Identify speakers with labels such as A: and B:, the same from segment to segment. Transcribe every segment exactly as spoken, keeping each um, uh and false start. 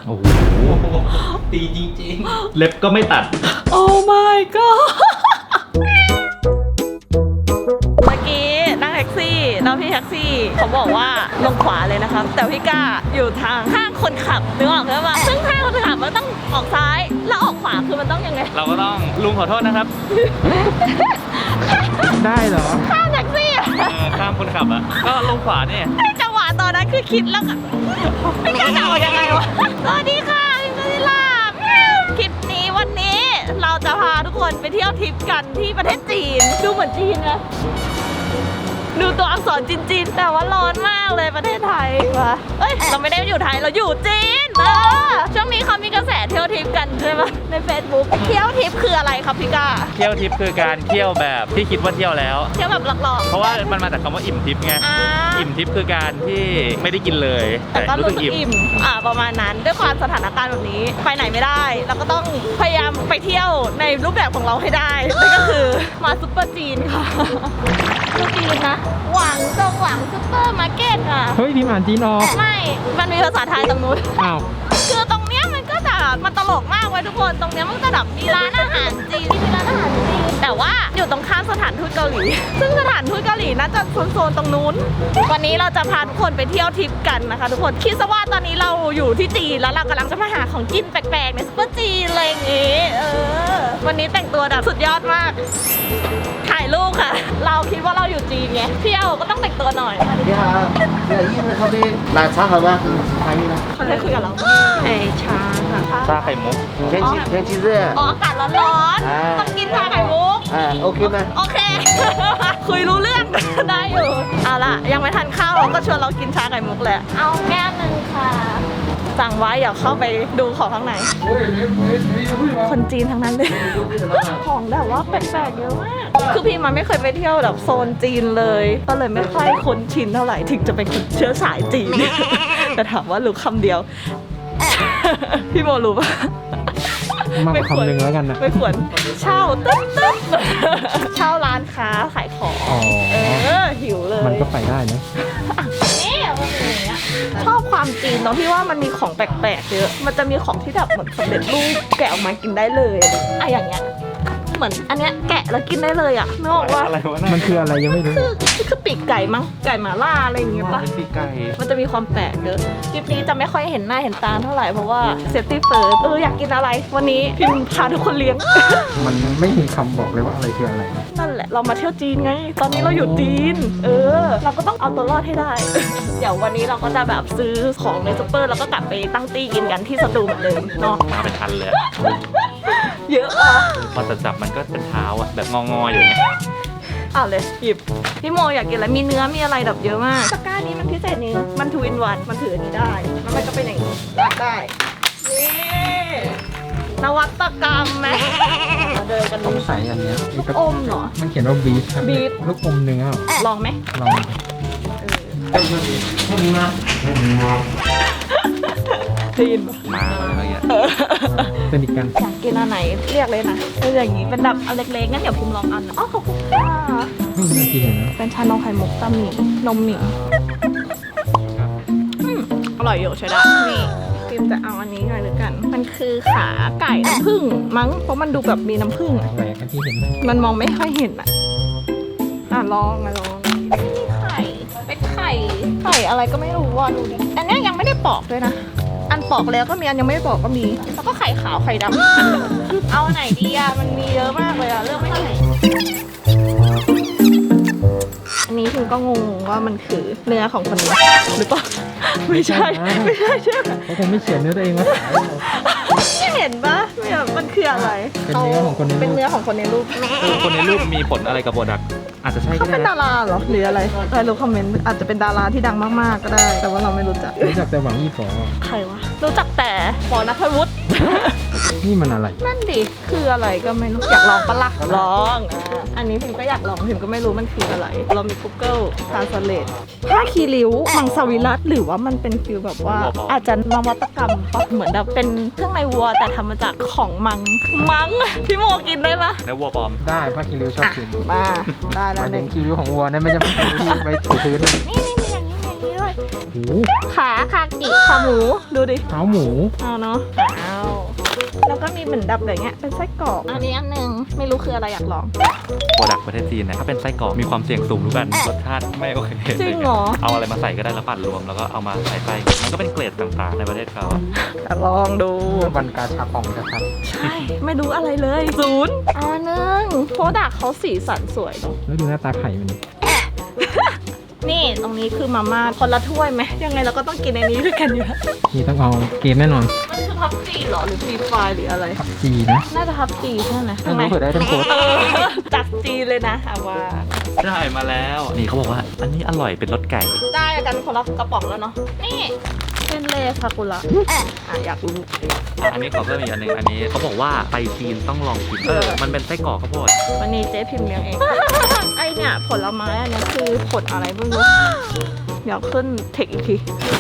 A: โอ้โห
B: ตีจริงๆ
A: เล็บก็ไม่ตัด
C: โอ้ my god เมื่อกี้นั่งแท็กซี่แล้วพี่แท็กซี่เขาบอกว่าลงขวาเลยนะครับแต่พี่ก้าอยู่ทางข้างคนขับนึกออกใช่ปะซึ่งข้างคนขับมันต้องออกซ้ายแล้วออกขวาคือมันต้องยังไง
A: เราก็ต้องลุงขอโทษนะครับ
B: ได้เหรอ
C: ข้างแท็กซี่อะ
A: เออข้ามคนขับอะก็ลงขวาเนี่ย
C: จังหวะตอนนั้นคือคิดแล้วอะไม่กล้าจะออกยังไงวะสวัสดีค่ะพี่กฤษลาบคลิปนี้วันนี้เราจะพาทุกคนไปเที่ยวทริปกันที่ประเทศจีนดูเหมือนจีนนะดูตัวอักษรจีนๆแต่ว่าร้อนมากเลยประเทศไทยวะเอ้ยเราไม่ได้อยู่ไทยเราอยู่จีนเออช่วงนี้เขามีกระแสเที่ยวทริปกันใช่ไหมใน Facebook เที่ยวทริปคืออะไรครับพี่ก้า
A: เที่ยวทิปคือการเที่ยวแบบที่คิดว่าเที่ยวแล้ว
C: เที่ยวแบบหลอกๆ
A: เพราะว่ามันมาจากคำว่าอิ่มทิปไง
C: อ่า
A: อิ่มทิปคือการที่ไม่ได้กินเลย
C: แต่ก็รู้สึกอิ่มอ่าประมาณนั้นด้วยความสถานการณ์แบบนี้ไปไหนไม่ได้เราก็ต้องพยายามไปเที่ยวในรูปแบบของเราให้ได้นั่นก็คือมาซุปเปอร์จีนค่ะซุปเปอร์จีนนะหวังจงหวังซุปเปอร์มาร์เก็ตค่ะ
B: เฮ้ยพิมพ์อ่านจีนออก
C: ไม่มันมีภาษาไทยตรงนู้น
B: อ้าว
C: คือตรงเนี้ยมันก็จะมันตลกมากเว้ยทุกคนตรงเนี้ยมันจะแบบมีร้านอาหารจีนมีร้านอาหารจีนแต่ว่าอยู่ตรงข้ามสถานทูตเกาหลี ซึ่งสถานทูตเกาหลีน่าจะโซนๆตรงนู้น วันนี้เราจะพาทุกคนไปเที่ยวทริปกันนะคะ ทุกคนคิดซะว่าตอนนี้เราอยู่ที่จีนแล้วเรากำลังจะมาหาของกินแปลกๆในซุปเปอร์จีนอะไรอย่างงี้เออวันนี้แต่งตัวแบบสุดยอดมากถ่ายรูปค่ะ เราคิดว่าเราอยู่จีนไงเที่ยวก็ต้องแต่งตัวหน่อย
D: 你好，这个意式咖啡奶茶好吗？茶一呢？
C: เขาได้คุยกับเราไอชาค่ะ
A: ชาไข่มุก
D: 天气天气热
C: อ๋ออากาศร้อนๆต้องกินชาไข่มุก
D: 啊，OK 吗？
C: โอเค คุยรู้เรื่อง ได้อยู่ เอาล่ะ ยังไม่ทันข้าวก็ชวนเรากินชาไข่มุกแหละ เอาแก้วหนึ่งค่ะ สั่งไว้อย่าเข้าไปดูของข้างใน คนจีนทั้งนั้นเลย ของแบบว่าแปลกๆเยอะมาก คือพี่มันไม่เคยไปเที่ยวแบบโซนจีนเลย ก็เลยไม่ค่อยคุ้นชินเท่าไหร่ ถึงจะเป็นคนเชื้อสายจีน แต่ถามว่ารู้คำเดียว พี่โมรู้ปะ
B: มากกว่าคำหนึ่งแล้วกันนะ
C: ไม่ควรเช่าตึ๊บตึ๊บเช่าร้านค้าขายของ
B: อ๋อ
C: เออหิวเลย
B: มันก็ไปได้นะ
C: นี่มันเป็นอย่างเงี้ยชอบความจีนตรงที่ว่ามันมีของแปลกๆเยอะมันจะมีของที่แบบเหมือนสำเร็จรูปแกะออกมากินได้เลยอะอย่างเงี้ยเหมือนอันเนี้ยแกะแล้วกินได้เลยอ่ะนึกออกว่า
A: อะไรวะ
B: มันคืออะไรยังไม่รู้
C: คือคือปีกไก่มั้งไก่หม่าล่าอะไรอย่างเงี้ยปะ
A: เป็นปีกไก่
C: มันจะมีความแปลกเยอะคลิปนี้จะไม่ค่อยเห็นหน้าเห็นตาเท่าไหร่เพราะว่าเซฟตี้เฟิร์สเอออยากกินอะไร วันนี้พิมพาทุกคนเลี้ยง
B: มันไม่มีคำบอกเลยว่าอะไรคืออะไร
C: นั่นแหละเรามาเที่ยวจีนไง ตอนนี้เราอยู่จีน เออ เราก็ต้องเอาตัวรอดให้ได้ เดี๋ยววันนี้เราก็จะแบบซื้อของในซุปเปอร์แล้วก็กลับไปตั้งตี้กินกันที่สตูเหมือนเดิมเนาะ
A: มาเป็นทันเลย
C: เยอะอ่ะ
A: พอจะจับมันก็เป็นเท้าอะแบบงอๆอยู่อย่างเงี้ย
C: เอาเลยหยิบพี่โมอยากกินอะไรมีเนื้อมีอะไรแบบเยอะมากตะกร้านี้มันพิเศษนึงมันทูอินวันมันถืออันนี้ได้แล้วมันก็เป็นอย่างนี้รักได้นี่นวัตกรรมไหมมาเดินกัน
B: ต้อง
C: ดู
B: ใส่อันเนี้ย
C: ลูกอมเหรอ
B: มันเขียนว่าบีฟครับ
C: บีฟ
B: ลูกอมเนื้อเหรอ
C: ลองไหม
B: ลอง
C: ได้ยินปะ
A: มาอะไรเงี้ย
B: เป็นอีกกัน
C: อยากกินอันไหนเรียกเลยนะเป็นอย่างนี้เป็นแบบอันเล็กๆงั้นเดี๋ยวพิมพ์ลองอันนะอ๋อขอบคุณค่ะ
B: ไม่น่ากินเลยนะ
C: เป็นชานมไข่มุกตาหมี่นมหมี่อืมอร่อยอยู่ใช่ได้นี่พิมจะเอาอันนี้หน่อยหรือกัน มันคือขาไก่น้ำผึ้งมั้งเพราะมันดูแบบมีน้ำผึ้งอะ
B: แหวกกันที่เห็นนะ
C: มันมองไม่ค่อยเห็นอ่ะอ่ะลองมาลองนี่ไข่เป็นไข่ไข่อะไรก็ไม่รู้ว่ะดูดิอันเนี้ยยังไม่ได้ปอกด้วยนะอันปอกแล้วก็มีอันยังไม่ได้ปอกก็มีแล้วก็ไข่ขาวไข่ดำเอาไหนดีอ่ะมันมีเยอะมากเลยอ่ะเลือกไม่ได้อันนี้คุณก็งงว่ามันคือเนื้อของคนนี้หรือเปล่าไม่ใช่ไม่ใช่ใช่ไหม
B: เขาคงไม่เขียนเนื้อตัวเองมาขายหรอก
C: ไม่เห็นปะไม่แบบมันคืออะไร
B: เป็นเนื้อของคนในรูป
C: เป็นเนื้อของคนในรูป
A: คือคนในรูปมีผลอะไรกับโปรดักต์อาจจะใช่ก็
C: เขา
A: ได้
C: เป็น
A: นะ
C: ดาราเหรอหรืออะไรใครรู้คอมเมนต์อาจจะเป็นดาราที่ดังมากๆก็ได้ แต่ว่าเราไม่รู้จัก
B: รู้จักแต่หวังยี่ฝอ
C: ใครวะรู้จักแต่ปอนัทวุฒิ
B: นี่มันอะไร
C: นั่นดิคืออะไรก็ไม่รู้อยากลองปะล่ะลองอ่ะอันนี้พิมก็อยากลองพิมก็ไม่รู้มันคืออะไร เรามี Google Translate ผ้าคีริ้วมังสวิรัตหรือว่ามันเป็นฟิลแบบว่า อาจจะนวัตกรรมปะเหมือนแบบเป็นเครื่องในวัวแต่ทำมาจากของมังมังพี่โมกินได้ปะ
A: แล้ววัวปลอม
B: ได้ผ้าคีริ้วชอบกิน
C: มาได้
B: ห
C: แล้ว
B: มาย
C: ห
B: ถึ
C: นึ่
B: ง
C: ง
B: คีริ้วของวัวเนี่ยไม่ใช่คีริ้วที่ไปถูพื้นเลย
C: นี่นี่มีอย่างนี้อย่างนี้ด้วย
B: โอ้โห
C: ขาคากิขาหมูดูดิ
B: เท้าหมู
C: เอาเนาะเอาแล้วก็มีเหมือนดับแบบเงี้ยเป็นไส้กรอกอันนี้อันหนึงไม่รู้คืออะไรอยากลอง
A: โปรดักต์ประเทศจีนนะถ้าเป็นไส้กรอกมีความเสี่ยงสูงรู้กันรสชาติไม่โอเค
C: จริงเหรอ
A: เอาอะไรมาใส่ก็ได้แล้วปั่นรวมแล้วก็เอามาใส่ไส้มันก็เป็นเกรดต่างๆในประเทศเขาอะ
C: จะลองดู
B: วันกาชาปองนะครับ
C: ใช่ไม่รู้อะไรเลยศูนย์อันหนึงโปรดักเขาสีสันสวยเนอะ
B: แล้วดูหน้าตาไข่มันดิ
C: นี่ตรงนี้คือมาม่าคนละถ้วยไหมยังไงเราก็ต้องกินในนี้ด้วยกันอยู่แล้ว
B: นี่ต้องเอาเกมแน่นอน
C: มันคือพับจีเหรอหรือฟรีไฟหรืออะไร
B: ผักจีนะ
C: น่าจะพับจีใช่ไหม
B: ไม่รู้เผื่อได้ทั้งโค้ด
C: เออจัดจีเลยนะอาว่า
A: ได้มาแล้วนี่เขาบอกว่าอันนี้อร่อยเป็นรสไก่
C: ได้กันคนละกระป๋องแล้วเนาะนี่เป็นเลซากุระอ่ะอยากรู้
A: อันนี้ขอเพิ่มอีกอันหนึงอันนี้เขาบอกว่าไปจีนต้องลองกินเออมันเป็นไส้กรอกข้าวโพด
C: วันนี้เจ๊พิมพ์เลี้ยงเอง ไอเนี่ยผลไม้อันนี้คือผลอะไรไม่รู้เดี๋ยวขึ้นเทคอีกที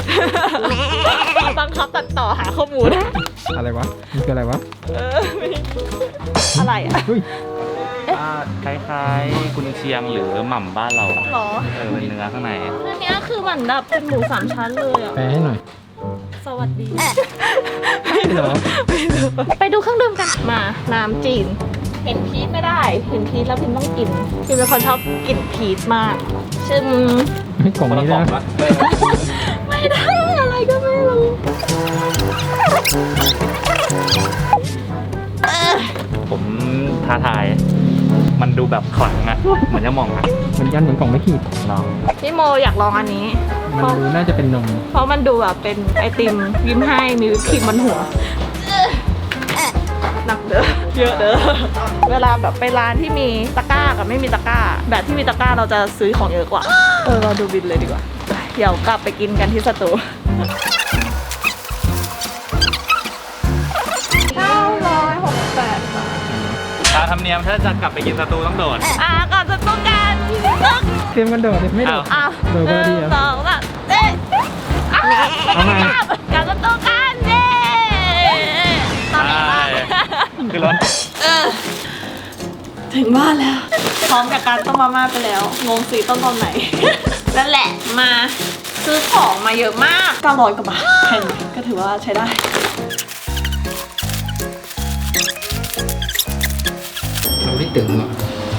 C: บังคับตัดต่อหาข้อมูล
B: อะไรวะมันคืออะไรวะ
C: เออไม่อะไรอ่ะ
B: เฮ้ย
A: อ่าคล้ายๆกุนเชียงหรือหม่ำบ้านเราอะ
C: หรอ
A: เออเป็นเนื้อข้างใน
C: อันเนี้ยคือเหมือนแบบเป็นหมูสามชั้นเลยอ่ะ
B: แปลให้หน่อย
C: สวัสดี
B: ไม่เหรอ
C: ไปดูเครื่องดื่มกัน มา น้ำจีน เห็นพีชไม่ได้ เห็นพีชแล้วพิมต้องกินพิมเป็นคนชอบกินพีชมากชึม
B: ไม่กล่องนี้ได้ไหม
C: ไม่ได้อะไรก็ไม่รู้เออ
A: ผมท้าทาย มันดูแบบขลังอะเหมือนจะมองอะ
B: มันยันเหมือนกล่องไม่ขีด
A: ลอง
C: พี่โมอยากลองอันนี้
B: มันดูน่าจะเป็นนม
C: เพราะมันดูแบบเป็นไอติมยิ้มให้มีวิปครีมบนหัวหนักเด้อเยอะเด้อเวลาแบบไปร้านที่มีตะกร้ากับไม่มีตะกร้า แบบที่มีตะกร้าเราจะซื้อของเยอะกว่าเออเราดูบินเลยดีกว่าเดี๋ยวกลับไปกินกันที่สตูเก้าร้อยหกสิบแปดบาท
A: ตามธรรมเนียมถ้าจะกลับไปกินสตูต้องโดด
C: อ่ะก่อนสตูกันตึก
B: เตรียมกันโดดดิไม่โดด
C: อ่ะ
B: โดด
C: ห
B: พอดี
C: นึ่ง
B: เหรอ
C: สองสามเอ๊ะอ่ะ
B: เอาใหม่
C: กับสตูกันเย้ตอนนี้บ้าน
A: คือรถ
C: เออถึงบ้านแล้ว พร้อมกับการต้มมาม่าไปแล้วงงสีต้นตอนไหน นั่นแหละมาซื้อของมาเยอะมากเก้าร้อยกว่าบาทแพงไหมก็ถือว่าใช้ได้
B: เราไม่ตึงหรอ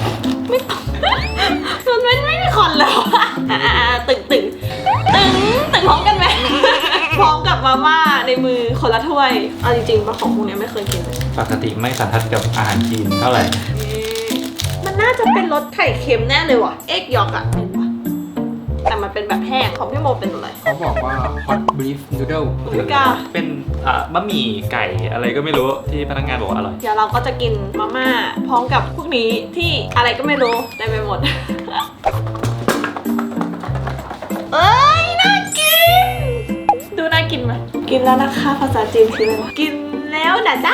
C: มันไม่ไม่มีคอนแล้วอะอ่ะอ่ะตึงตึงตึงตึงพร้อมกันไหม พร้อมกับมาม่าในมือคนละถ้วยเอาจริงๆปลาของพวกนี้ไม่เคยกินเลย
A: ปกติไม่สันทัดกับอาหารจีนเท่าไหร่
C: มันน่าจะเป็นรสไข่เค็มแน่เลยว่ะ เอ็กยอกอะเป็นปะแต่มันเป็นแบบแห้งของพี่โมเป็นอะไร
B: เขาบอกว่า hot beef noodle
C: ไม่กล้า
A: เป็นอ่าบะหมี่ไก่อะไรก็ไม่รู้ที่พนักงานบอกว่าอร่อย
C: เดี๋ยวเราก็จะกินมาม่าพร้อมกับพวกนี้ที่อะไรก็ไม่รู้ได้ไปหมด เอ้ยน่ากิน ดูน่ากินไหมกินแล้วนะคะภาษาจีนคืออะไรวะกินแล้วนะจ๊ะ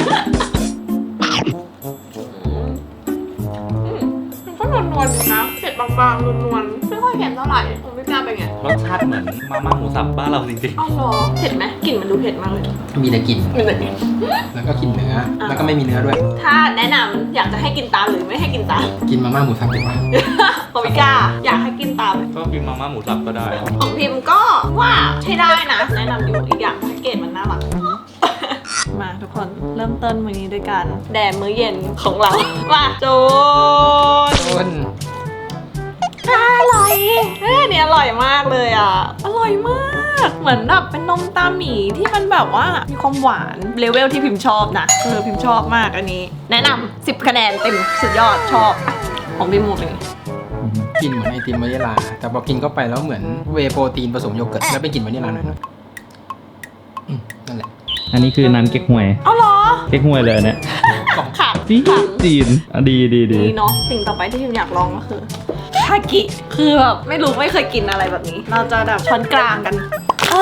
C: มันก็นวลๆนะเผ็ดบางๆนวลๆไม่ค่อยเผ็ดเท่าไหร่ผมไม่กล้าไปไง
A: รสชาติเหมือนมาม่าหมูสับบ้านเราจริง
C: อ้าวเหรอเผ็ดไหมกลิ่นมันดูเผ็ดมากเลย
B: มีแต่กลิ่น
C: มีแต่กลิ่น
B: แล้วก็กินเนื้อ แล้วก็ไม่มีเนื้อด้วย
C: ถ้าแนะนำอยากจะให้กินตามหรือไม่ให้กินตาม
B: กินมาม่าหมูสับดีกว่า
C: ผมไม่กล้าอยากให้กินตาม
A: ๆ ก็กินมาม่าหมูสับก็ได้
C: ของพิมพ์ก็ว่าใช้ได้นะ แนะนำอยู่อีกอย่างแพ็กเกจมันน่ารัก มาทุกคนเริ่มต้นมื้อนี้ด้วยกันแดดมื้อเย็นของเรามาโจน
B: ต้น
C: อร่อยเอ้ยเนี่ยอร่อยมากเลยอ่ะ อร่อยมาก เหมือนแบบเป็นนมตาหมีที่มันแบบว่ามีความหวานเลเวลที่พิมพ์ชอบนะเออพิมพ์ชอบมากอันนี้ แนะนำสิบคะแนนเต็มสุดยอดชอบของพี่มูเป็นไง
B: กินเหมือนไอติมวานิลา แต่พอกินเข้าไปแล้วเหมือนเวย์โปรตีนผสมโยเกิร์ตแล้วเป็นกลิ่นวานิลาหน่อยๆอืมนั่นแหละ
A: อันนี้คือน้ำเก๊กฮวย
C: เอาเหรอ
A: เก๊กฮวยเลยเนี่ย
B: กล่อง
C: ขัง
A: จี
C: ขัง
A: จีนอ่ะดีดีดี
C: นี่เนาะสิ่งต่อไปที่พิมอยากลองก็คือคากิคือแบบไม่รู้ไม่เคยกินอะไรแบบนี้ เราจะแบบช้อนกลางกันอ่ะ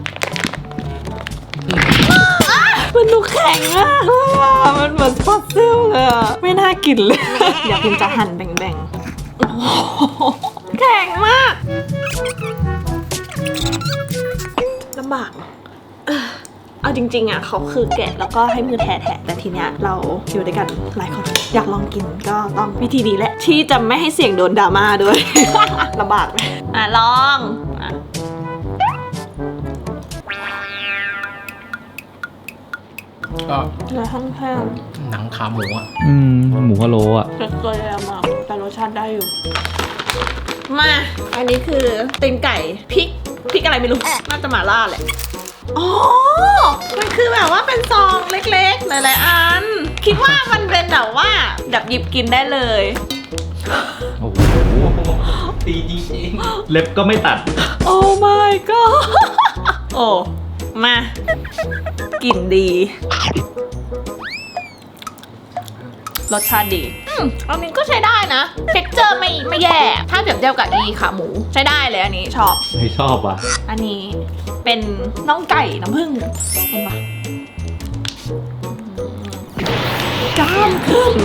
C: อ่ะมันดูแข็งมากเลยอ่ะมันเหมือนฟอสซิลเลยอ่ะไม่น่ากินเลย เดี๋ยวพิมจะหั่นแบ่งๆโอ้โหแข็งมากลำบากเออเอาจริงๆอ่ะเขาคือแกะแล้วก็ให้มือแทะๆแต่ทีเนี้ยเราอยู่ด้วยกันหลายคนอยากลองกินก็ต้องวิธีนี้แหละที่จะไม่ให้เสี่ยงโดนดราม่าด้วย ลำบากไหมอ่ะลองอ่ะ
B: ก็
C: เนื้อแห้ง
B: หนังขาหมูอ่ะ
A: อืมหมูพะโล้อะ
C: ๆเกลือมากแต่รสชาติได้อยู่ มา อันนี้คือตีนไก่พริกพริกอะไรไม่รู้ น่าจะหม่าล่าแหละ อ๋อ มันคือแบบว่าเป็นซองเล็กๆหลายๆอัน คิดว่ามันเป็นแบบว่าแบบหยิบกินได้เลย
A: โอ้โห
B: ตีจริง
A: เล็บก็ไม่ตัด
C: โอ้ my god โอ้ มา กลิ่นดี รสชาติดีอืมอันนี้ก็ใช้ได้นะเท็กเจอร์ไม่ไม่แย่ ถ้าเปรียบเทียบกับอีขาหมู ใช้ได้เลยอันนี้ชอบ
A: ไม่ชอบอ่ะ
C: อันนี้เป็นน่องไก่น้ำผึ้งเห็นปะกล้ามขึ้น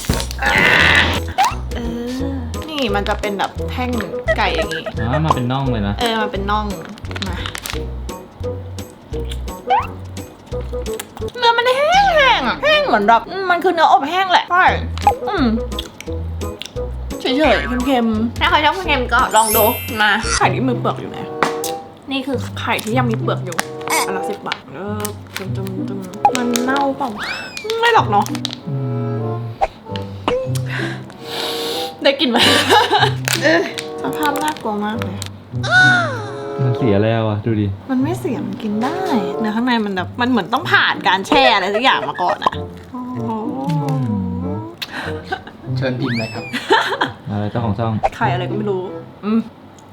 C: เออ นี่มันจะเป็นแบบแท่งไก่อย่างงี้
A: อ๋อ มาเป็นน่องเลยนะ
C: เออ มันเป็นน่อง มาเนื้อมันแห้งแห้งๆอะแห้งเหมือนแบบอืมมันคือเนื้ออบแห้งแหละ ใช่ อืมเฉยๆ เค็มๆ ถ้าใครชอบเค็มๆก็ลองดู มา ไข่ที่มีเปลือกอยู่ไหน นี่คือไข่ที่ยังมีเปลือกอยู่อันละสิบบาท เออจุ่มจุ่มจุ่มมันเน่าเปล่า ไม่หรอกเนาะ ได้กลิ่นไหม เออสภาพน่ากลัวมากเลย
A: มันเสียแล้วอ่ะ ดูดิ
C: มันไม่เสียมันกินได้ เนื้อข้างในมันแบบมันเหมือนต้องผ่านการแช่อะไรสักอย่างมาก่อนอะโอ้โห
B: เชิญพิมพ์เลยครับ
A: อะไรเจ้าของช่อง
C: ไข่อะไรก็ไม่รู้ อืม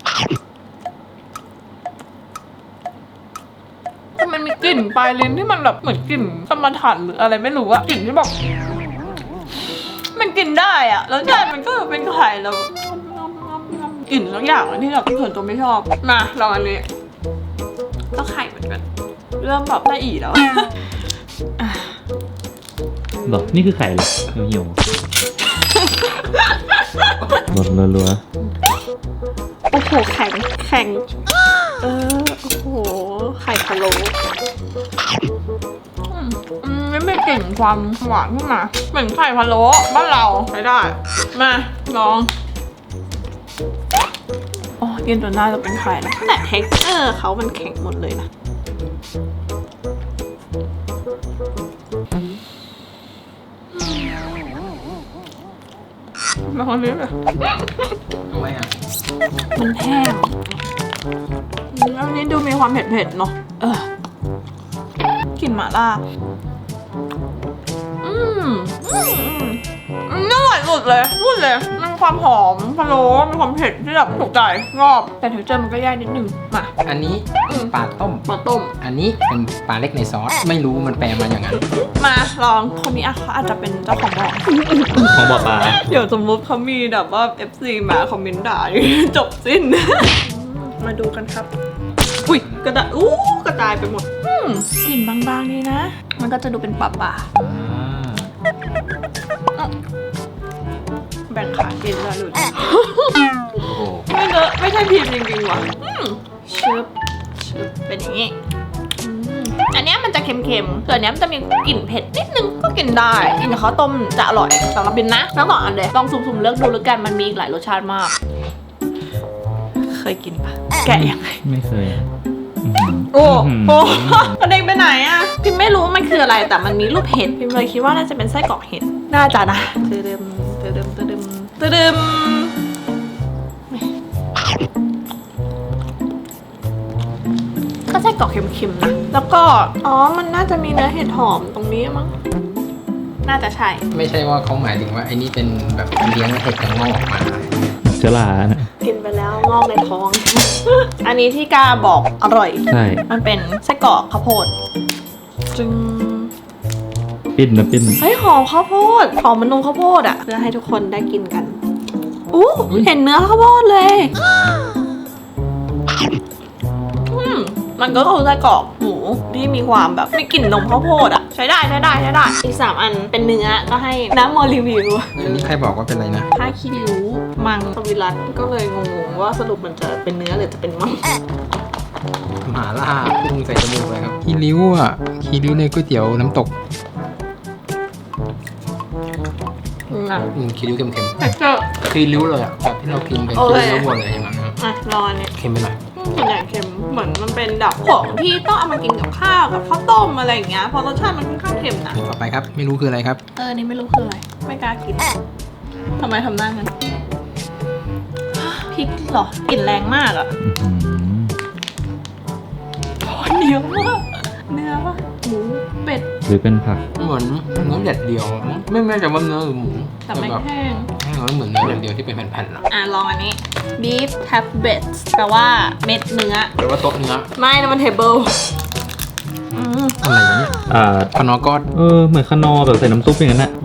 C: แต่มันมีกลิ่นปลายลิ้นที่มันแบบเหมือนกลิ่นสมถันหรืออะไรไม่รู้อะกลิ่นที่แบบมันกินได้อะแล้วใจมันก็เป็นไข่แล้วกลิ่นสักอย่างที่แบบส่วนตัวไม่ชอบ มาลองอันนี้ก็ไข่เหมือนกัน เริ่มแบบละเอียดแล้วอ่ะ
A: หรอ นี่คือไข่เลยเหี่ยวๆหลดรัว
C: โอ้โหแข็งแข็งเออโอ้โหไข่พะโล้อืมอืมไม่ไม่กลิ่นความหวานขึ้นมาเหมือนไข่พะโล้บ้านเราใช้ได้ มาลองโอ้กินจนน่าจะเป็นไข่นะแต่เท็กเจอร์เขามันแข็งหมดเลยนะมาคนนี้เลย
B: ทำไมอ่ะ
C: มันแห้งอืมอันนี้ดูมีความเผ็ดๆเนาะเออกลิ่นหม่าล่า อืมอืมอืมอืมอร่อยสุดเลยพูดเลยมันมีความหอมพะโล้มีความเผ็ดที่แบบถูกใจชอบแต่เท็กเจอร์มันก็แย่นิดนึงมา
B: อันนี้เป็นปลาต้ม
C: มาต้ม
B: อันนี้เป็นปลาเล็กในซอส ไม่รู้มันแปลมาอย่างนั้น
C: มาลองคนนี้อ่ะเขาอาจจะเป็นเจ้าของบ่อ
A: ๆของบ่อปลา
C: เดี๋ยวสมมติเขามีแบบว่า เอฟ ซี มาคอมเมนต์ด่าอย่างนี้จบสิ้น มาดูกันครับ อุ้ยกระดาษอู้กระจายไปหมดอืมกลิ่นบางๆนี่นะ มันก็จะดูเป็นป่าป่าๆแบ่งขากินแล้วดูดิ
B: โอ้โห
C: ไม่เลอะไม่ใช่พิมพ์จริงๆว่ะอืมชึบชึบเป็นอย่างนี้อืมอันเนี้ยมันจะเค็มๆส่วนอันเนี้ยมันจะมีกลิ่นเผ็ดนิดนึงก็กินได้กินกับข้าวต้มจะอร่อยสำหรับบินนะทั้งสองอันเลยลองสุ่มๆเลือกดูแล้วกันมันมีอีกหลายรสชาติมาก เคยกินปะแกะยังไง
A: ไม่เคย
C: โอ้โหเด็กไปไหนอะพิมไม่รู้มันคืออะไรแต่มันมีรูปเห็ดพิมเลยคิดว่าน่าจะเป็นไส้กรอกเห็ดน่าจะนะเติมเติมเติมเติมก็ไส้กรอกเค็มๆนะแล้วก็อ๋อมันน่าจะมีเนื้อเห็ดหอมตรงนี้มั้งน่าจะใช่
B: ไม่ใช่ว่าเขาหมายถึงว่าไอ้นี่เป็นแบบเลี้ยงเห็ดกับงอกออกมา
A: เชื้อรานะ
C: กินไปแล้วงอกในท้อง อันนี้ที่กาบอกอร่อย
A: ใช่
C: มันเป็นไส้กรอกข้าวโพดจึง
A: ปิ้นนะปิ้น
C: เฮ้ยหอมข้าวโพดหอมมันนมข้าวโพดอ่ะเพื่อให้ทุกคนได้กินกันอู้เห็นเนื้อข้าวโพดเลยอืมมันก็คือไส้กรอกหมูที่มีความแบบมีกลิ่นนมข้าวโพดอ่ะใช้ได้ใช้ได้ใช้ได้อีกสามอันเป็นเนื้อก็ให้น้ำมอรีวิว
B: อันนี้ใครบอกว่าเป็นอะไรนะ
C: ผ้าขี้ริ้วมังสวิรัตก็เลยงงๆว่าสรุปมันจะเป็นเนื้อหรือจะเป็นมัง
B: หมาล่าพุ่งใส่จมูกเลยครับคีริ้วอ่ะคีริ้วในก๋วยเตี๋ยวน้ำตก
C: อ่ะ
B: อืมคีริ้วเค็ม
C: เท็กเจอร์
B: ๆคีริ้วเลยอ่ะแบบที่เรากินกัน
C: โอ
B: คี
C: เค
B: ริ้ววัวเลยอย่างนั้นนะ
C: อ่ะรออันนี้
B: เค็มไปหน่อย
C: อืส่วนใหญ่เค็มเหมือนมันเป็นแบบของที่ต้องเอามากินกับข้าวกับข้าวต้มอะไรอย่างเงี้ยเพราะรสชาติมันค่อนข้างเค็มนะ
B: ต่อไปครับไม่รู้คืออะไรครับ
C: เออนี่ไม่รู้คืออะไรไม่กล้ากินทำไมทำหน้างั้นพริกเหรอกลิ่นแรงมากอะโอ้ยเหนียวมากเนื้อปะหมูเป็ด
A: หรือเป็นผัก
B: เหมือนเนื้อแดดเดียวไม่แน่ใจว่าเนื้อหรือหมู
C: แต่ไม่
B: แบบ
C: แห้ง
B: แห้งแล้วเหมือนเนื้อแดดเดียวที่เป็นแผ่นๆอะ
C: อ่ะลองอันนี้ beef tablets แปลว่าเม็ดเนื้อ
B: แปลว่าโต๊ะเนื้อ
C: ไม่นะมัน table อืม
B: อะไรวะเนี่ย
A: อ่า
B: พนอก็
A: เออ เหมือนขนอแบบใส่น้ำซุปอย่างนั้นน่ะ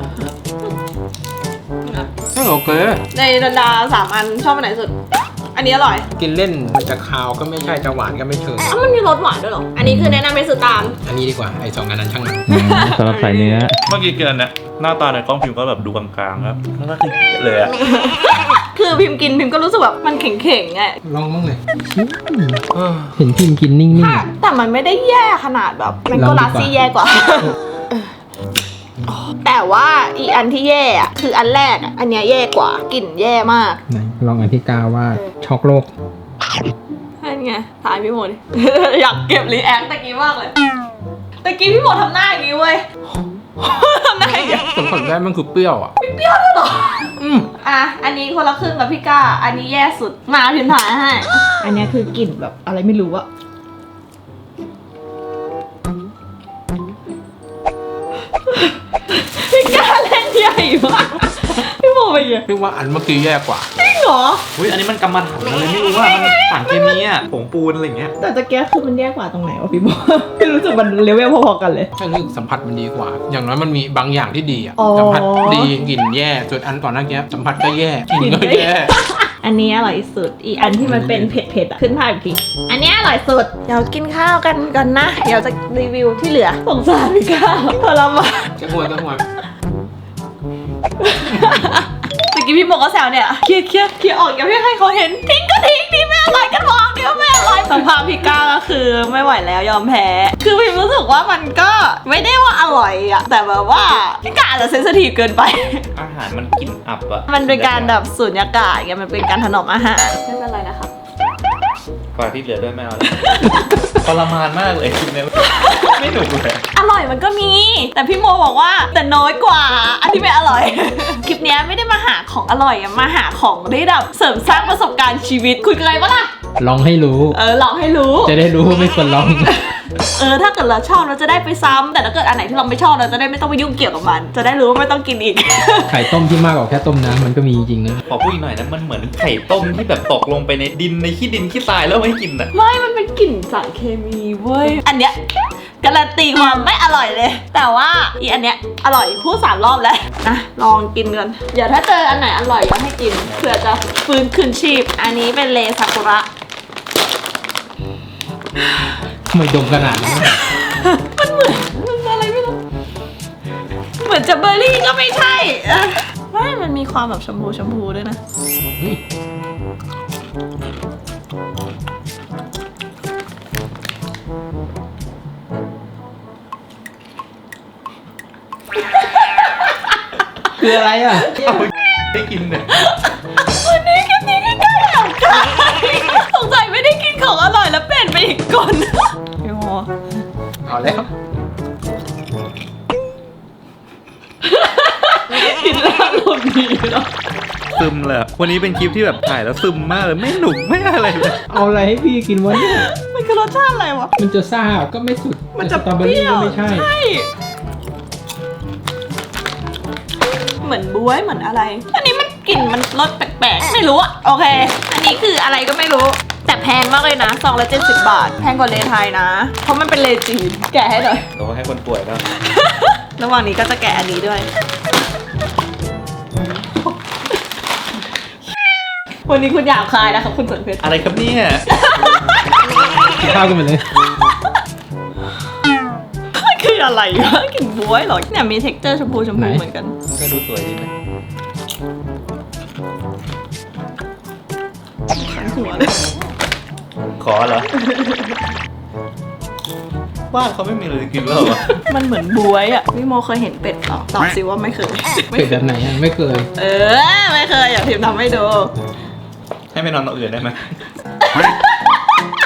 B: เออโอเค
C: ในดาราสามอันชอบอันไหนสุด อันนี้อร่อย
B: กินเล่นมันจะคาวก็ไม่ใช่จะหวานก็ไม่เชิง
C: อ้าวมันมีรสหวานด้วยเหรอ อันนี้คือแนะนำให้ซื้อตาม
B: อันนี้ดีกว่าไอ้สองอันนั้นช่างมัน
A: สำหรับใส่เนื้อ
E: เมื่อกี้กินอันเนี้ยหน้าตาในกล้องพิมพ์ก็แบบดูกลางๆครับแล้วก็คือเลยอะ
C: คือพิมพ์กินพิมพ์ก็รู้สึกแบบมันเข่งๆไง
B: ลองบ้างเลยเห็นพิมพ์กินนิ่ง
C: แต่มันไม่ได้แย่ขนาดแบบมันก็ลาซี่แย่กว่า แต่ว่าอีอันที่แย่อะคืออันแรกอะอันเนี้ยแย่กว่ากลิ่นแย่มาก
B: ๆไหนลองอันที่กาว่าช็อกโลก
C: นั่นไงถ่ายพี่โมดิ อยากเก็บรีแอคตะกี้มากเลยตะกี้พี่โมทำหน้าอย่างนี้เว้ย ทำหน้าอย่างนี้
B: ผลผลแรกมันคือเปรี้ยวอ่ะ
C: เปรี้ยวด้วยเหรออืมอ่ะอันนี้คนละครึ่งกับพี่ก้า อันนี้แย่สุดมาพิมพ์ถ่ายให้ อันนี้คือกลิ่นแบบอะไรไม่รู้อะพี่ก้าเล่นใหญ่มากพี่โมไปยัง
B: พี่ว่าอันเมื่อกี้แย่กว่า
C: จริงเหรอ
A: อุ้ยอันนี้มันกำมะถันอะไรไม่รู้ว่ามันสารเคมีอะผงปูนอะไรอย่างเงี้ย
C: แต่ตะเกียคือมันแย่กว่าตรงไหนวะพี่โม ไม่รู้สึกมันเลเวลพอๆกันเลย
B: ใช่รู้สึกสัมผัสมันดีกว่า อย่างน้อยมันมีบางอย่างที่ดีอ่ะ
C: อ๋อ
B: สัมผัสดีกลิ่นแย่ ส่วนอันก่อนหน้านี้สัมผัสก็แย่กลิ่นก็แย่
C: อันนี้อร่อยสุด อีกอันที่มันเป็นเผ็ดๆอ่ะ ขึ้นภาพอีกที อันนี้อร่อยสุด เดี๋ยวกินข้าวกันก่อนนะ เดี๋ยวจะรีวิวที่เหลือ สงสารพี่ข้าวทรมาน
B: จะหัวจะหัว
C: ตะกี้พี่โมก็แซวเนี่ยเคลียร์เคลียร์เคลียร์ออกอย่าให้เขาเห็น ทิ้งก็ทิ้งดิไม่อร่อยกันวางเดี๋ยวไม่อร่อยสภาพพี่ก้าก็คือไม่ไหวแล้วยอมแพ้ คือพี่รู้สึกว่ามันก็ไม่ได้ว่าอร่อยอะแต่แบบว่าพี่ก้าอาจจะเซนซิทีฟเกินไป
A: อาหารมันกลิ่นอับอะ
C: มันเป็นการแบบสูญญากาศไงมันเป็นการถนอมอาหารไม่เป็นไรนะครับ
A: กว่าที่เหลือด้วยไม่เอาแล้วทรมานมากเลยกินเนี่ยไม่หนุกเลย
C: อร่อยมันก็มี แต่พี่โมบอกว่าแต่น้อยกว่า อันที่ไม่อร่อย คลิปเนี้ยไม่ได้มาหาของอร่อยอะมาหาของได้แบบเสริมสร้างประสบการณ์ชีวิตคุยกันเลยปะล่ะ
B: ลองให้รู้
C: เออลองให้รู้
B: จะได้รู้ว่าไม่ควรลอง
C: เออถ้าเกิดเราชอบเราจะได้ไปซ้ำแต่ถ้าเกิดอันไหนที่เราไม่ชอบเราจะได้ไม่ต้องไปยุ่งเกี่ยวกับมัน จะได้รู้ว่าไม่ต้องกินอีก
B: ไข่ต้มที่มากกว่าแค่ต้มน้ำมันก็มีจริงนะ
A: ขอพูดอีกหน่อยนะมันเหมือนไข่ต้มที่แบบตกลงไปในดินในขี้ดินขี้ทรายแล้วไม่กินอะ
C: ไม่มันเป็นกลิ่นสารเคมีเว้ยอันเนี้ยการันตีความไม่อร่อยเลย แต่ว่าอีอันเนี้ยอร่อยพูดสามรอบแล้วนะลองกินกันเดี๋ยวถ้าเจออันไหนอร่อยก็ให้กินเผื่อจะฟื้นคืนชีพ อันนี้เป็นเลซากุระ
B: ไม่ดมขนาดนั้น
C: มันเหมือนมันอะไรไม่รู้เหมือนจะเบอร์รี่ก็ไม่ใช่เออไม่มันมีความแบบชมพูชมพูด้วยนะ
B: เฮ้ยคืออะไรอ่ะ
A: ได้กินเนี่ย
C: วันนี้คลิปนี้ก็ได้หลังกันสงสัยไม่ได้กินของอร่อยแล้วเปลี่ยนไปอีกคนพี่โม
B: เอาแล้ว
C: กินแล้วอารมณ์ดีเนาะ
A: ซึมเลยอะวันนี้เป็นคลิปที่แบบถ่ายแล้วซึมมากเลยไม่หนุกไม่อะไรเลย
B: เอาอะไรให้พี่กินวะเนี่ย
C: มันคือรสชาติอะไรวะ
B: มันจะซ่าก็ไม่สุด
C: มันจะ
B: สตรอเบอ
C: เป
B: รี่
C: รี้ยว
B: ก็ไม่ใช่
C: ใช่เหมือนบ๊วยเหมือนอะไร อันนี้มันกลิ่นมันรสแปลกๆไม่รู้อะโอเค อันนี้คืออะไรก็ไม่รู้ แต่แพงมากเลยนะซองละเจ็ดสิบบาท แพงกว่าเลไทยนะ เพราะมันเป็นเลจีนแกะให้หน่อย
A: เราให้คนป่วยบ้าง
C: ระหว่างนี้ก็จะแกะอันนี้ด้วย วันนี้คุณหยาบคายนะครับคุณสนเพชร
A: อะไรครับเนี่ย
B: กินข้าวกันไปเลย
C: คืออะไรวะกลิ่นบ๊วยเหรอเนี่ยมี เท็กเจอร์ ชมพูชมพู
B: ไหน
C: เหมือนกัน
A: ก็ดูสวยดีนะ
C: ขันหัวเลย
A: ขอเหรอ บ้านเขาไม่มีอะไรกินแล้วเหรอ
C: มันเหมือนบ๊วยอ่ะพี่โมเคยเห็นเป็ดเหรอตอบสิว่าไม่เคย
B: เป็ดแบบไหนอ่ะไม่เคย
C: เออไม่เคยอยากพิมพ์ทำให้ดู
A: ให้ไปนอนตรงอื่นได้ไหม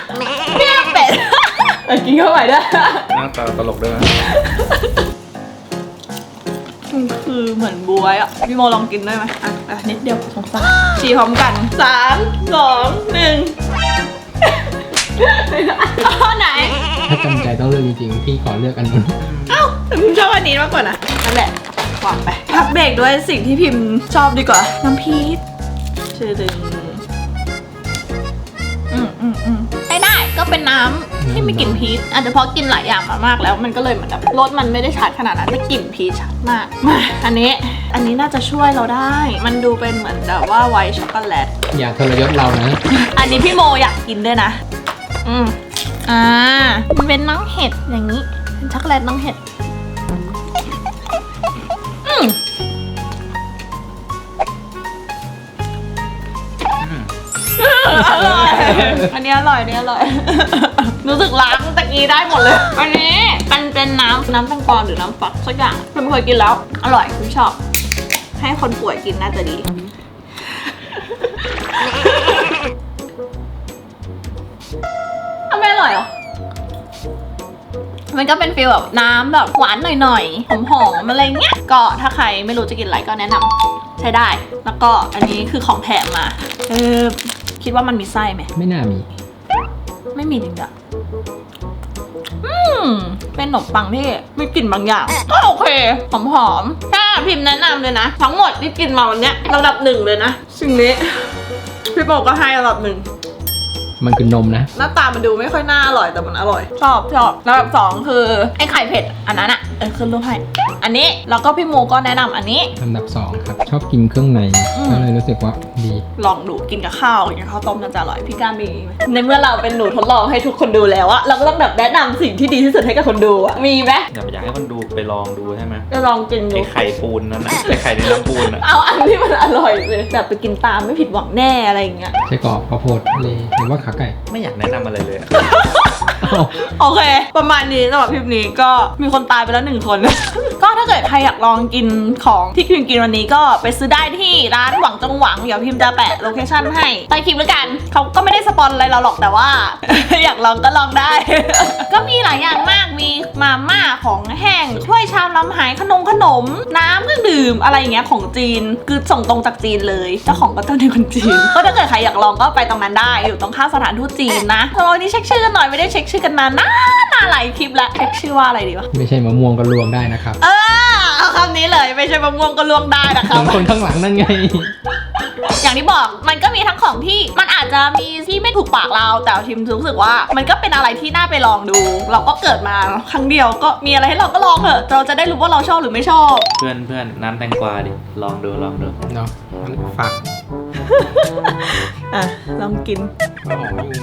C: อกินเข้าไปด้วย
E: หน้าตาตลกด้วยนะ
C: คือเหมือนบวยอ่ะพี่โมลองกินได้ไหมอ่ะอ่ะนิดเดียวสงสารฉี่พร้อมกันสามสองหนึ่งเอาไหน
B: ถ้าจำใจต้องเลือกจริงๆพี่ขอเลือกอันนู้น
C: เอ้าแต่พิมชอบอันนี้มากกว่านะนั่นแหละวางไปพักเบรกด้วยสิ่งที่พิมชอบดีกว่าน้ำพีชชื่อดึงอืมอืมอืมใช้ได้ก็เป็นน้ำที่ไม่กลิ่นพีชอาจจะเพราะกินหลายอย่างมามากแล้วมันก็เลยเหมือนแบบรสมันไม่ได้ชัดขนาดนั้นแต่กลิ่นพีชชัดมากมาอันนี้อันนี้น่าจะช่วยเราได้ มันดูเป็นเหมือนแบบว่าไวท์ช็อกโกแลต
B: อย่าทรยศเรานะ
C: อันนี้พี่โมอยากกินด้วยนะอืมอ่ามันเป็นน้องเห็ดอย่างนี้เป็นช็อกโกแลตน้องเห็ดอืมอร่อยอันนี้อร่อยอันนี้อร่อย รู้สึกล้างตะกี้ได้หมดเลย อันนี้มันเป็นน้ำน้ำแตงกวาหรือน้ำฟักสักอย่างเพิ่งเคยกินแล้ว อร่อยคุณชอบ ให้คนป่วยกินน่าจะดีทำไมอร่อยอ่ะมันก็เป็นฟีลแบบน้ำแบบหวานหน่อยๆหอมๆอะไรเงี้ยก็ถ้าใครไม่รู้จะกินอะไรก็แนะนำใช้ได้แล้วก็อันนี้คือของแถมมาเออคิดว่ามันมีไส้ไหม
B: ไม่น่ามี
C: ไม่มีจริงจ้ะอืมเป็นขนมปังที่มีกลิ่นบางอย่างก็โอเคหอมๆถ้าพิมพ์แนะนำเลยนะทั้งหมดที่กินมาวันเนี้ยระดับหนึ่งเลยนะสิ่งนี้พี่โบก็ให้ระดับหนึ่ง
B: มันคือนมนะ
C: หน้าตามันดูไม่ค่อยน่าอร่อยแต่มันอร่อย ชอบชอบแล้วแบบสองคือไอ้ไข่เผ็ดอันนั้นอะเออขึ้นรูปให้อันนี้แล้วก็พี่โมก็แนะนำอันนี้
B: ลำดับสองครับ ชอบกินเครื่องใน
C: อืม
B: ก็เลยรู้สึกว่าดี
C: ลองดูกินกับข้าวกินกับข้าวต้มน่าจะอร่อยพี่ก้ามีไหมในเมื่อเราเป็นหนูทดลองให้ทุกคนดูแล้วอะเราก็ต้องแบบแนะนำสิ่งที่ดีที่สุดให้กับคนดูอะมีไหม
E: อยากอยากให้คนดูไปลองดูใช่ไหม
C: จะลองกินดู
E: ไอ้ไข่ปูนนั่นน่ะไอ้ไข่ในน้ำปูนอ่ะ
C: เอาอันที่มันอร่อยเลยแบบไปกินตามไม่ผิดหวังแน่อะไรอย่างเงี้ย
B: ไส้กรอกข้าวโพดทะเลหรือว่าขาไก่
E: ไม่อยากแนะนำอะไรเลยอะ
B: อ้าว
C: โอเค ประมาณนี้สำหรับคลิปนี้ก็มีคนตายไปแล้วหนึ่งคน ก็ถ้าเกิดใครอยากลองกินของที่พิมกินวันนี้ก็ไปซื้อได้ที่ร้านหวังจงหวังเดี๋ยวพิมจะแปะโลเคชั่นให้ใต้คลิปแล้วกันเขาก็ไม่ได้สปอนอะไรเราหรอกแต่ว่า อยากลองก็ลองได้ ก็มีหลายอย่างมากมีมาม่าของแห้งถ้วยชามน้ำหายขนมขนม น้ำเครื่องดื่มอะไรอย่างเงี้ยของจีนคือส่งตรงจากจีนเลยเจ้าของก็ต้องเป็นคนจีน ก็ถ้าเกิดใครอยากลองก็ไปตรงนั้นได้อยู่ตรงข้ามสถานทูตจีนนะสำหรับวันนี้เช็คชื่อกันหน่อยไม่ได้เช็คชื่อกันนานนานนานหลายคลิปแล้วเช็คชื่อว่าอะไรดีวะ
B: ไม่ใช่มะม่วงก็รวมได้นะครับ
C: เออเอาคำนี้เลยไม่ใช่มะม่วงก็ล่วงได้นะค
B: เห
C: รับ
B: มือนคนข้างหลังนั่นไง
C: อย่างที่บอกมันก็มีทั้งของที่มันอาจจะมีที่ไม่ถูกปากเราแต่ทิมรู้สึกว่ามันก็เป็นอะไรที่น่าไปลองดู เราก็เกิดมาครั้งเดียวก็มีอะไรให้เราก็ลองเถอะเราจะได้รู้ว่าเราชอบหรือไม่ชอบ
E: เพื่อนเพื่อนน้ำแตงกวาดิลองดูลองดู
B: เนาะฝาก
C: อ่ะลองกิน
B: มาหอมอยู่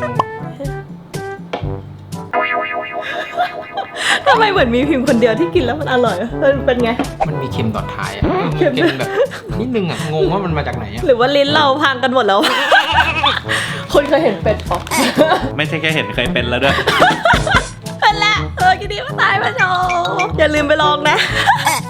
C: ทำไมเหมือนมีพิมพ์คนเดียวที่กินแล้วมันอร่อยอะเออเป็นไง
B: มันมีเค็มต่อท้ายอ่ะ
C: เค็ม
B: เค็มแบบนิดนึงอ่ะ งงว่ามันมาจากไหนอ่ะ
C: หรือว่าลิ้นเราพังกันหมดแล้ว คนเคยเห็นเป็ดปะ
E: ไม่ใช่แค่เห็นเคยเป็นแล้วด้วย
C: เป็นแล้วเออกินดีมาตายมาโชว์อย่าลืมไปลองนะ